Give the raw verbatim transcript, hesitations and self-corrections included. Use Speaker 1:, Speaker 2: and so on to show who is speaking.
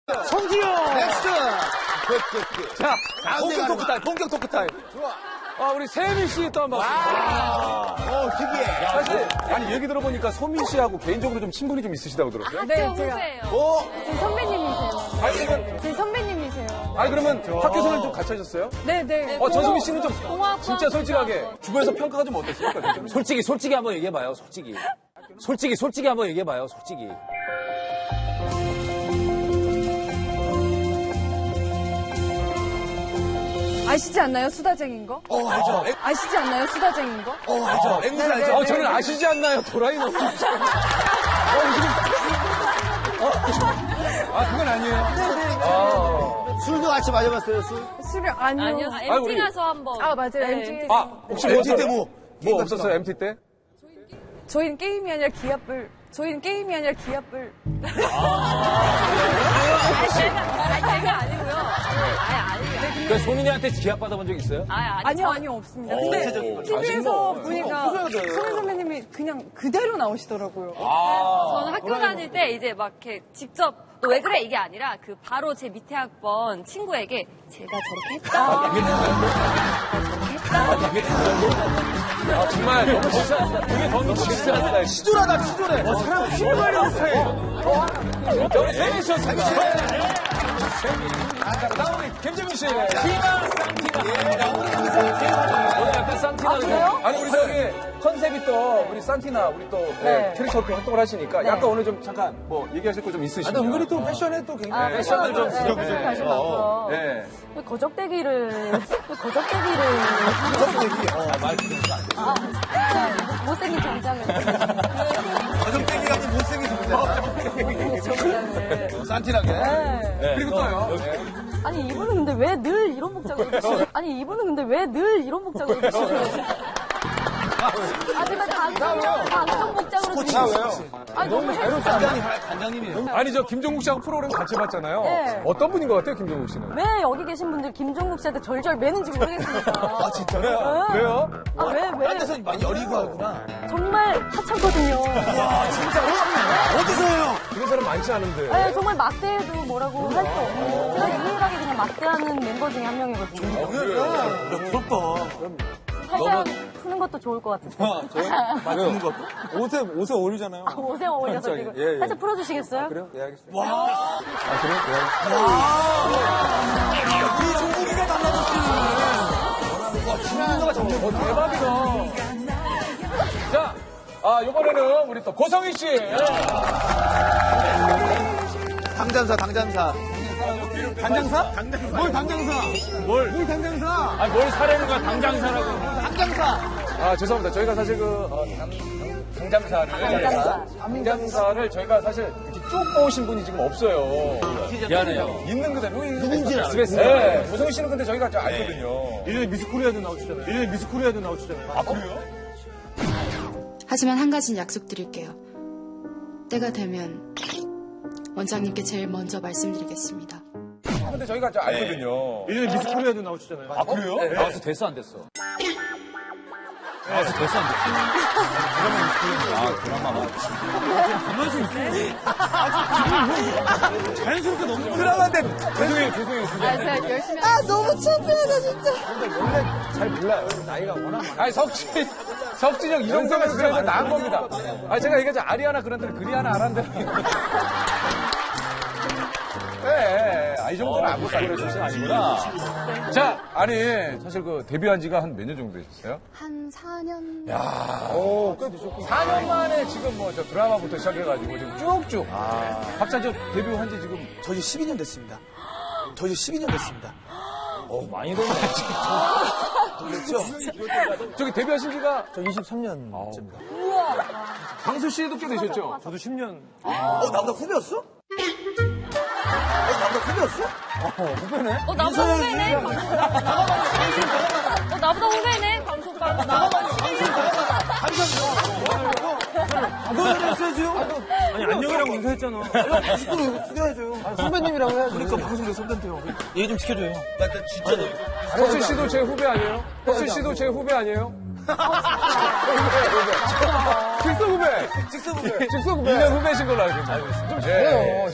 Speaker 1: 성지영!
Speaker 2: 넥스트!
Speaker 1: 자, 본격 토크 타임, 본격 토크 타임.
Speaker 2: 좋아.
Speaker 1: 아, 우리 세민 씨 또 한 번.
Speaker 2: 와. 어, 특이해.
Speaker 1: 사실, 아니, 얘기 들어보니까 소민 씨하고 개인적으로 좀 친분이 좀 있으시다고 들었어요?
Speaker 3: 네, 제가.
Speaker 2: 오!
Speaker 3: 제 선배님이세요.
Speaker 1: 아니, 그러면,
Speaker 3: 제 선배님이세요.
Speaker 1: 아니, 그러면 학교 생활 좀 같이 하셨어요?
Speaker 3: 네, 네.
Speaker 1: 어, 전소민 씨는 좀
Speaker 3: 공학과
Speaker 1: 진짜 솔직하게 주변에서 평가가 좀 어땠습니까?
Speaker 4: 솔직히 솔직히 한번 얘기해봐요. 솔직히. 솔직히 솔직히 한번 얘기해봐요. 솔직히.
Speaker 3: 아시지 않나요? 수다쟁인 거?
Speaker 2: 어, 알죠.
Speaker 3: 아시지 않나요? 수다쟁인 거?
Speaker 2: 어, 알죠. 앵무새 알죠.
Speaker 1: 어, 저는 아시지 않나요? 도라이 너무. 어, 지금. 어, 아, 그건 아니에요. 아,
Speaker 2: 술도 같이 마셔봤어요, 술?
Speaker 3: 술을 아니요.
Speaker 5: 아니요,
Speaker 1: 아니, 우리-
Speaker 5: 엠티가서 한번.
Speaker 3: 아, 맞아요.
Speaker 5: 네,
Speaker 3: 엠티.
Speaker 1: 아, 혹시
Speaker 2: 엠티
Speaker 1: 뭐,
Speaker 2: 때 뭐?
Speaker 1: 뭐 없었어요, 엠티 때?
Speaker 3: 저희는 게임이 아니라 기합을. 저희는 게임이 아니라 기합을.
Speaker 5: 아니, 제가, 아니, 제가 아니고요. 아예 아니에요.
Speaker 4: 그 소민이한테 기합 받아본 적 있어요?
Speaker 5: 아예 아니.
Speaker 3: 아니요, 아니요, 없습니다.
Speaker 2: 구체적인
Speaker 3: 근데
Speaker 2: 거.
Speaker 3: 티비에서
Speaker 1: 아,
Speaker 3: 보니까 소민 선배님이 그냥 그대로 나오시더라고요.
Speaker 5: 저는 학교 다닐 때 이제 막 이렇게 직접 너 왜 그래 이게 아니라 그 바로 제 밑에 학번 친구에게 제가 저렇게 했다. 저렇게 했다.
Speaker 1: 아, 정말 너무 진짜, 그게 너무 진짜 스타일.
Speaker 2: 치졸하다, 치졸해.
Speaker 1: 어, 사람 치졸하는 스타일. 어, 우리 세민 씨, 세민 씨. 나 우리 김재민 씨.
Speaker 4: 티나 쌍티나. 오늘 약간 쌍티나.
Speaker 3: 그래요?
Speaker 1: 아니, 우리 저기 컨셉이 또, 우리 산티나, 우리 또
Speaker 3: 네.
Speaker 1: 캐릭터 이렇게 활동을 하시니까
Speaker 3: 네.
Speaker 1: 약간 오늘 좀 잠깐 뭐 얘기하실 거 좀 있으시면.
Speaker 4: 아, 은근히 또 패션에 또 굉장히.
Speaker 3: 아,
Speaker 1: 패션을 좀
Speaker 3: 네,
Speaker 1: 부족해.
Speaker 3: 패션 관심 많고요.
Speaker 1: 네.
Speaker 3: 왜 거적대기를, 왜 거적대기를.
Speaker 4: 말 그대로 안 돼.
Speaker 3: 아, 못생긴 정장을.
Speaker 2: 가정땡이 같은 못생긴 동자.
Speaker 3: 정장을.
Speaker 2: 산티나게.
Speaker 3: 네.
Speaker 1: 그리고 또요.
Speaker 3: 아니, 이분은 근데 왜 늘 이런 목장을 입으시는 아니, 이분은 근데 왜 늘 이런 목장을 입으시는 하지만 방송, 방송 목장으로
Speaker 2: 나 왜요?
Speaker 3: 아니, 너무 자유롭지
Speaker 2: 단장님, 단장님이에요.
Speaker 1: 아니, 저 김종국 씨하고 프로그램 같이 봤잖아요.
Speaker 3: 네.
Speaker 1: 어떤 분인 것 같아요, 김종국 씨는?
Speaker 3: 왜 여기 계신 분들 김종국 씨한테 절절 매는지 모르겠습니다.
Speaker 2: 아, 진짜요?
Speaker 3: 네.
Speaker 1: 왜요?
Speaker 3: 아, 왜, 왜?
Speaker 2: 딴 데서 많이 여리고 하구나.
Speaker 3: 정말 하찮거든요.
Speaker 2: 와, 진짜로? 어디서요?
Speaker 1: 그런 사람 많지 않은데.
Speaker 3: 네, 정말 막대해도 뭐라고 할 수 없는. 제가 유일하게 그냥 막대하는 멤버 중에 한 명이거든요.
Speaker 2: 그래? 부럽다.
Speaker 3: 살짝 푸는 것도 좋을 것 같아요.
Speaker 2: 맞는 것도?
Speaker 1: 옷에, 옷에 어울리잖아요.
Speaker 3: 아, 옷에 어울려서
Speaker 1: 갑자기.
Speaker 3: 지금.
Speaker 1: 예, 예.
Speaker 3: 살짝 풀어주시겠어요?
Speaker 1: 그래요? 예, 알겠습니다.
Speaker 2: 와.
Speaker 1: 아, 그래요? 예.
Speaker 2: 이 종국이가 달라졌어. 와, 중국어가 정말
Speaker 1: 어, 대박이다. 자, 아, 이번에는 우리 또 고성희 씨.
Speaker 2: 당장사, 당장사. 당장사? 뭘 당장사? 뭘? 뭘 당장사?
Speaker 4: 아, 뭘 사려는 거야, 당장사라고.
Speaker 2: 당장사.
Speaker 1: 아, 죄송합니다. 저희가 사실 그, 어, 당, 당장사를.
Speaker 3: 당장사.
Speaker 1: 당장사를 저희가 사실 이렇게 쭉 모으신 분이 지금 없어요.
Speaker 4: 미안해요.
Speaker 1: 있는 그대로.
Speaker 2: 누군지는
Speaker 1: 에스비에스. 네. 고성희 씨는 근데 저희가 좀 알거든요.
Speaker 2: 예전에 미스 코리아도 나오시잖아요. 예전에 미스 코리아도 나오시잖아요.
Speaker 1: 아, 그래요?
Speaker 6: 하지만 한 가지는 약속드릴게요. 때가 되면 원장님께 제일 먼저 말씀드리겠습니다.
Speaker 1: 근데 저희가 좀 알거든요.
Speaker 2: 예전에 미스 코리아도 나오시잖아요.
Speaker 1: 아, 그래요?
Speaker 4: 나와서 됐어, 안 됐어? 나와서 됐어, 안 됐어? 아, 드라마 맞지.
Speaker 2: 자연스럽게 너무
Speaker 1: 드라마인데. 죄송해요, 죄송해요.
Speaker 3: 아, 제가 열심히. 아, 너무 창피하다, 진짜.
Speaker 1: 잘 몰라요. 나이가 워낙 많아. 아니, 석진, 석진 형, 이정도면 그래도 나은 겁니다. 아, 제가 얘기하죠. 아리아나 그란데는 그리 하나 알았는데. 네, 아, 이 정도는 안 못하고 그러신 아니구나. 자, 아니, 사실 그 데뷔한 지가 한 몇 년 정도 되셨어요?
Speaker 6: 한 사 년?
Speaker 1: 야, 오, 꽤 되셨구나. 사 년 만에 지금 뭐 저 드라마부터 시작해가지고 지금 쭉쭉. 아. 박사 저 데뷔한 지 지금.
Speaker 2: 저 이제 십이 년 됐습니다. 저 이제 십이 년 됐습니다.
Speaker 4: 어, 많이 됐네.
Speaker 2: 됐죠?
Speaker 1: 저기 데뷔하신 지가.
Speaker 2: 저 이십삼 년째입니다.
Speaker 1: 강수 씨도 꽤 되셨죠?
Speaker 2: 저도 십 년. 어, 나보다 후배였어? 어, 나보다 후배였어?
Speaker 5: 어, 나보다 후배네. 방송. 어, 나보다 후배네. 방송 반.
Speaker 2: 너는 했어야죠. 아니, 안녕이라고 인사했잖아. 다시 또 숙여야죠. 선배님이라고 해야죠. 그러니까 방송대 선배인데요. 얘기 좀 지켜줘요. 나 진짜.
Speaker 1: 혁수 씨도 제 후배 아니에요? 혁수 씨도 제 후배 아니에요? 직속 후배!
Speaker 2: 직접 후배.
Speaker 1: 직속 후배! 이 년 후배신 걸로 알고 있습니다. 좀 잘해요.